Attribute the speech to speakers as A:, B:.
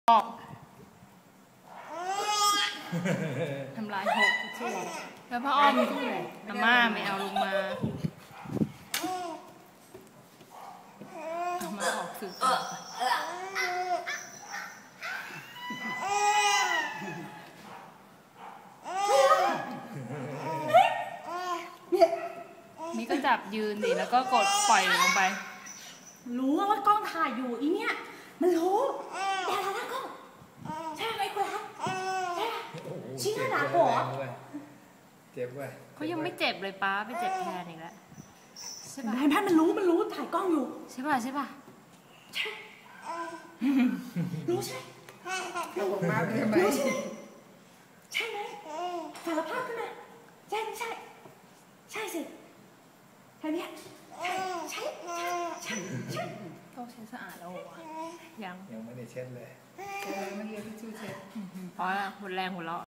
A: ออกทำลายหกแล้วพ่ออ้อมอาม่าไม่เอาลงมาเอามาออกสื่อนี่ก็จับยืนดิแล้วก็กดปล่อยลงไป
B: รู้ว่ากล้องถ่ายอยู่อีเนี่ยมันรู้แต่ละกล้องใช่ไหมคุณรักใช่ไหมชิ้นหนาหัว
C: เจ็บเว้ย
A: เขายังไม่เจ็บเลยป้าไปเจ็บแทนอีกแล้วใช่ป่ะ
B: แม่มันรู้ถ่ายกล้องอยู่
A: ใช่ป่ะใช่ป่ะ
B: ใช่รู้ใช่
C: เราบอกมาใช่ไหม
B: ใช่ไหมสารภาพขึ้นมาใช่ไม่ใช่ใช่สิแค่นี้ใช่
A: ต้องใช้สะอาดแล้ววะยัง
C: ไม่ได้เช็ดเลย
A: พอละหมดแรงหัวเราะ